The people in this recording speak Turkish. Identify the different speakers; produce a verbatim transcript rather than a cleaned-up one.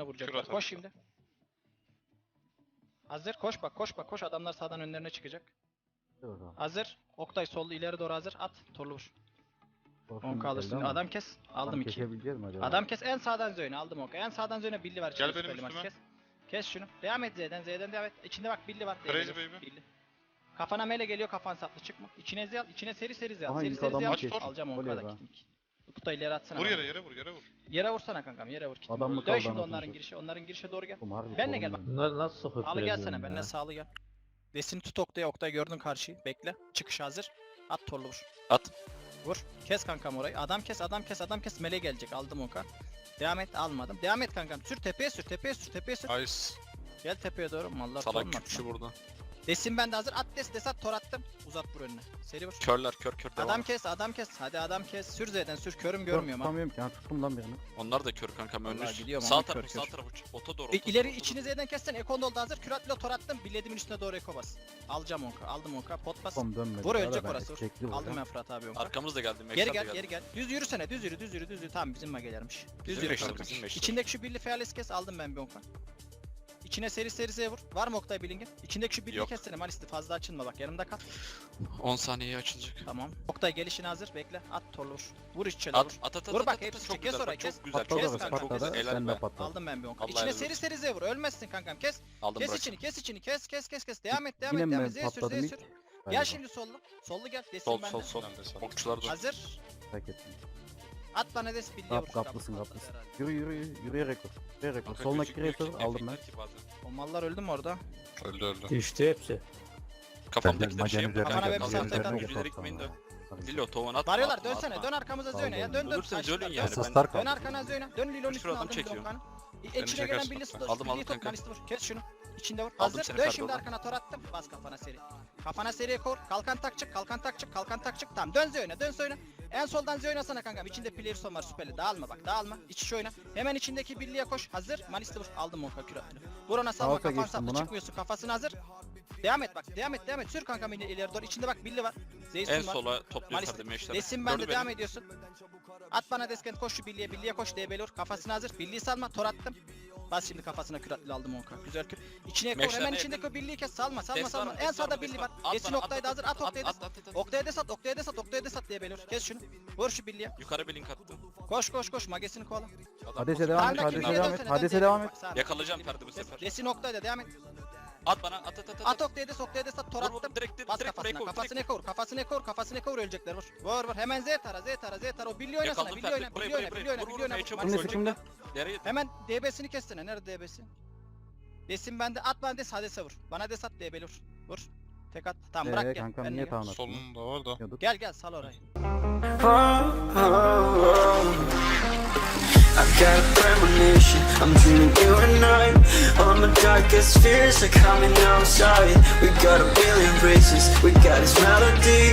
Speaker 1: üstüne vuracaklar.
Speaker 2: Kür atalım.
Speaker 1: Koş şimdi. Hazır. Koş bak koş bak koş. Adamlar sağdan önlerine çıkacak.
Speaker 3: Evet abi.
Speaker 1: Hazır. Oktay sollu ileri doğru hazır. At. Torlu vur.
Speaker 3: Orkun
Speaker 1: on
Speaker 3: geldi
Speaker 1: kalırsın.
Speaker 3: ama
Speaker 1: Adam kes. Aldım
Speaker 3: tam
Speaker 1: iki.
Speaker 3: kesebileceğiz mi acaba?
Speaker 1: Adam kes. En sağdan zöne aldım oka. En sağdan zöne billi var.
Speaker 2: Gel
Speaker 1: Çevir
Speaker 2: benim
Speaker 1: süperli
Speaker 2: üstüme.
Speaker 1: kes. Kes şunu. Devam et Z'den. Z'den devam et. İçinde bak Billy var.
Speaker 2: Crazy
Speaker 1: Billy.
Speaker 2: baby.
Speaker 1: Billy. Kafana mele geliyor, kafan saplı çıkma. İçine Z al. İçine seri seri Z al.
Speaker 3: Aha,
Speaker 1: Seri
Speaker 3: ilk
Speaker 1: seri Z
Speaker 3: adamı
Speaker 1: al.
Speaker 2: kes.
Speaker 1: Alacağım onu
Speaker 3: Oluyor
Speaker 1: kadar
Speaker 3: ha.
Speaker 1: gittik. Kutu ileri atsana.
Speaker 2: Vur
Speaker 1: bana.
Speaker 2: yere yere vur yere vur.
Speaker 1: Yere vursana kankam. Yere vur. Kitim.
Speaker 3: Adam mı
Speaker 1: Dön
Speaker 3: kaldı
Speaker 1: şimdi
Speaker 3: anasını
Speaker 1: onların
Speaker 3: satayım?
Speaker 1: girişe. Onların girişe doğru gel.
Speaker 3: Oğlum harbi
Speaker 1: Benle gel bak.
Speaker 3: sorun ya.
Speaker 4: Bunları nasıl sokup
Speaker 1: Alı gelsene.
Speaker 4: veriyorum
Speaker 1: Benle
Speaker 4: ya?
Speaker 1: sağlı gel. Desini tut Oktay'a. Oktay gördün karşıyı. Bekle. Çıkış hazır. At torlu vur.
Speaker 5: At.
Speaker 1: Vur. Kes kankam orayı. Adam kes, adam kes, adam kes. Mele gelecek. Aldım oka. Devam et. Almadım. Devam et kankam. Sür tepeye sür. Tepeye sür. Tepeye sür.
Speaker 2: Nice.
Speaker 1: Gel tepeye doğru. Mallar
Speaker 5: Salak
Speaker 1: torun at
Speaker 5: küpçü
Speaker 1: lan.
Speaker 5: burada.
Speaker 1: Desin bende hazır. At des des at tor attım. Uzat vur önüne. Seri vur.
Speaker 5: Körler kör kör devam.
Speaker 1: Adam kes, adam kes. Hadi adam kes. Sür Z'den sür. Körüm
Speaker 3: Dur,
Speaker 1: görmüyorum ha.
Speaker 3: tutamıyorum ki. Ha tuttum lan birini.
Speaker 5: Onlar da kör kankam
Speaker 1: Vallahi
Speaker 5: önünüz.
Speaker 1: gidiyorum
Speaker 5: Sağ
Speaker 1: ama
Speaker 5: tarafı
Speaker 1: kör
Speaker 5: sağ
Speaker 1: kör.
Speaker 5: tarafı. Ota doğru.
Speaker 1: E,
Speaker 5: ota
Speaker 1: ileri
Speaker 5: doğru, ota
Speaker 1: içini Z'den kessen Ekon doldu hazır. Küratla tor attım. Biledimin üstüne doğru Eko bas. Alacağım onka. Aldım onka. Pot bas.
Speaker 3: Tam dönmedi.
Speaker 1: Vur
Speaker 3: Ya da
Speaker 1: ölecek
Speaker 3: ben
Speaker 1: orası. Vur.
Speaker 3: çekti bu
Speaker 1: Aldım
Speaker 3: ya.
Speaker 1: ben Fırat abi
Speaker 5: doğru.
Speaker 1: onka.
Speaker 5: Arkamız da geldi.
Speaker 1: Geri
Speaker 5: Max'ler de
Speaker 1: gel,
Speaker 5: geldi.
Speaker 1: geri gel. Düz yürüsene, düz yürü, düz yürü, düz yürü. Tamam bizim magelermiş. Düz
Speaker 5: Bizim
Speaker 1: yürü
Speaker 5: meşler,
Speaker 1: kanka.
Speaker 5: bizim meşler.
Speaker 1: İçindeki şu birli feales kes, aldım ben bir onka. İçine seri seri Z vur. Var mı Oktay Billing'in? İçindeki şu birliği
Speaker 5: Yok.
Speaker 1: kessene Malisti. Fazla açılma bak, yanımda kal.
Speaker 5: on saniyeye açılacak.
Speaker 1: Tamam. Oktay gelişine hazır, bekle. At torlu vur. Vur içeri
Speaker 5: At
Speaker 1: vur.
Speaker 5: at at at.
Speaker 1: Vur
Speaker 5: at,
Speaker 1: bak,
Speaker 5: at,
Speaker 1: hepsi
Speaker 5: çok
Speaker 1: çek, kes
Speaker 5: güzel,
Speaker 1: orayı,
Speaker 5: bak,
Speaker 1: kes.
Speaker 5: Çok güzel.
Speaker 3: Patladı
Speaker 1: Kes
Speaker 3: orası
Speaker 1: kanka,
Speaker 3: patladı.
Speaker 1: çok
Speaker 5: güzel.
Speaker 3: Sen de
Speaker 5: Helal be.
Speaker 3: patladı.
Speaker 1: Aldım ben bir onka.
Speaker 5: Allah
Speaker 1: İçine
Speaker 5: helal
Speaker 1: seri
Speaker 5: olsun.
Speaker 1: seri Z vur. Ölmezsin kankam, kes.
Speaker 5: Aldım
Speaker 1: Kes
Speaker 5: bırak.
Speaker 1: içini, kes içini, kes kes kes kes. Devam et, devam
Speaker 3: Yine
Speaker 1: et,
Speaker 3: mi
Speaker 1: devam et. Z sür,
Speaker 3: patladım
Speaker 1: Z
Speaker 3: ilk?
Speaker 1: sür.
Speaker 3: Galiba.
Speaker 1: Gel şimdi sollu. Sollu gel. Desin
Speaker 5: Sol
Speaker 1: bende.
Speaker 5: sol sol.
Speaker 2: Ben de sağ.
Speaker 5: Okçular da.
Speaker 1: Hazır.
Speaker 3: Fark ettim.
Speaker 1: At bana des birliğe
Speaker 3: Kap,
Speaker 1: vur.
Speaker 3: kaplısın
Speaker 1: Kapı
Speaker 3: kaplısın.
Speaker 1: patladı
Speaker 3: Yürü yürü yürü. Yürüyerek vur. Yürüyerek vur.
Speaker 5: Kanka
Speaker 3: Solundaki
Speaker 5: gözükmüyor ki,
Speaker 3: creator aldım ben.
Speaker 5: efekler ki bazen.
Speaker 1: herhalde. O mallar öldü mü orada?
Speaker 2: Öldü öldü.
Speaker 4: Düştü hepsi.
Speaker 5: Kafamdaki de
Speaker 3: Magenin
Speaker 5: şey
Speaker 3: üzerine
Speaker 1: Kafana
Speaker 3: gel,
Speaker 1: bir
Speaker 3: magenin
Speaker 1: saatte
Speaker 3: üzerine
Speaker 1: kadar
Speaker 3: gel,
Speaker 5: yüzülerek
Speaker 3: tamam.
Speaker 5: main dön.
Speaker 3: Tabii.
Speaker 5: Lilo tovan atma.
Speaker 1: Varıyorlar,
Speaker 5: atma,
Speaker 1: dönsene,
Speaker 5: atma.
Speaker 1: dön arkamıza
Speaker 3: Sağ
Speaker 1: Zöne ya,
Speaker 3: olun.
Speaker 1: dön dön.
Speaker 5: Ölürseniz
Speaker 1: Saçlar,
Speaker 5: ölün
Speaker 1: dön.
Speaker 5: yani.
Speaker 3: Asaslar
Speaker 5: Ben
Speaker 1: Dön
Speaker 3: kaldı.
Speaker 1: arkana Zöne, dön Lilon
Speaker 5: Dur,
Speaker 1: üstüne
Speaker 5: adam
Speaker 1: aldım
Speaker 5: çekiyor.
Speaker 1: Blokkan'ı.
Speaker 2: Beni
Speaker 1: İçine
Speaker 2: çeker
Speaker 1: gelen
Speaker 2: sıkıntı.
Speaker 1: birliği dur,
Speaker 5: Aldım, aldım
Speaker 1: birliği tut,
Speaker 5: kanka.
Speaker 1: Malisti vur, kes şunu. İçinde vur,
Speaker 5: Aldım
Speaker 1: hazır,
Speaker 5: seni
Speaker 1: dön
Speaker 5: Ferdi,
Speaker 1: şimdi
Speaker 5: oğlum.
Speaker 1: arkana tor attım, bas kafana seri. Kafana seriye kor, kalkan takçık, kalkan takçık, kalkan takçık, tamam dön Zöne, dön Zöne. En soldan Z oynasana kankam, içinde player son var süperli, dağılma bak, dağılma, iç iç oyna. Hemen içindeki birliğe koş, hazır, Malisti vur, aldım onka küratını. Vur ona salma,
Speaker 3: Alta
Speaker 1: kafan
Speaker 3: geçtim
Speaker 1: saplı,
Speaker 3: buna.
Speaker 1: çıkmıyorsun, kafasını hazır. Devam et bak, devam et, devam et, sür kankam ileri ileri doğru, içinde bak billi var. Zeysun
Speaker 5: En
Speaker 1: var.
Speaker 5: sola topluyor
Speaker 1: Maalesef.
Speaker 5: Ferdi meşler.
Speaker 1: Desin bende devam ediyorsun. At bana deskent koş şu birliğe birliğe koş D B L vur kafasına hazır. Birliği salma tor attım. Bas şimdi kafasına küratlı aldım onka. Güzel kür. İçine koy
Speaker 5: Meşler
Speaker 1: hemen
Speaker 5: ne
Speaker 1: içindeki o birliği kes salma salma
Speaker 5: Des var
Speaker 1: salma.
Speaker 5: mı?
Speaker 1: En
Speaker 5: Des var
Speaker 1: sağda
Speaker 5: mı?
Speaker 1: birliği
Speaker 5: Des
Speaker 1: var.
Speaker 5: var. At
Speaker 1: Desin
Speaker 5: bana,
Speaker 1: Oktay'da hazır at Oktay'da
Speaker 5: at,
Speaker 1: sat.
Speaker 5: at, at, at.
Speaker 1: Oktay'da sat Oktay'da sat Oktay'da sat D B L vur. Kes şunu. Vur şu birliğe.
Speaker 5: Yukarı bir link attım.
Speaker 1: Koş koş koş magesini kovala.
Speaker 5: Adam
Speaker 3: Hades'e
Speaker 5: koşuyor.
Speaker 3: devam et.
Speaker 1: Sağdaki
Speaker 3: Hades'e
Speaker 1: birliğe
Speaker 3: devam
Speaker 1: dönsene,
Speaker 3: et.
Speaker 1: dön
Speaker 3: Hades'e
Speaker 1: D B L
Speaker 3: devam
Speaker 1: vur.
Speaker 3: et.
Speaker 1: Bak, sağda.
Speaker 5: Yakalayacağım Ferdi bu sefer.
Speaker 1: Desin Oktay'da devam et.
Speaker 5: At bana at at at.
Speaker 1: At Oktay'da Oktay'da sat tor
Speaker 5: Vur, vur,
Speaker 1: attım.
Speaker 5: direkt direkt
Speaker 1: Bas
Speaker 5: direkt
Speaker 1: kafasına,
Speaker 5: break over,
Speaker 1: kafasını
Speaker 5: direkt.
Speaker 1: ekor, kafasını ekor, kafasını ekor ölecekler vur. Vur vur, hemen Z tara, Z tara, Z tara, o birliği oynasana,
Speaker 5: Yakaladım
Speaker 1: birliği
Speaker 5: Ferdi.
Speaker 1: oyna,
Speaker 5: Buraya
Speaker 1: birliği oyna,
Speaker 5: buraya
Speaker 1: birliği
Speaker 5: buraya.
Speaker 1: oyna,
Speaker 5: Vur
Speaker 1: birliği oyna.
Speaker 5: vur.
Speaker 1: vur.
Speaker 5: Heyecan
Speaker 3: Kimde
Speaker 5: vur.
Speaker 3: kimde?
Speaker 5: Nereye?
Speaker 1: Hemen D B'sini kessene, nerede D B'si? Desin bende, at bana des, Hades'e vur. Bana des at, D B'li vur. Vur. Tek at, tamam bırak
Speaker 3: Eee
Speaker 1: gel.
Speaker 3: kankam
Speaker 1: benle
Speaker 3: niye
Speaker 1: gel.
Speaker 3: tavan attın?
Speaker 2: Solunda var da.
Speaker 3: Yiyorduk.
Speaker 1: Gel gel, sal orayı.
Speaker 6: I've got a premonition, I'm dreaming you and I. All my darkest fears are coming outside. We got a billion races, we got this melody.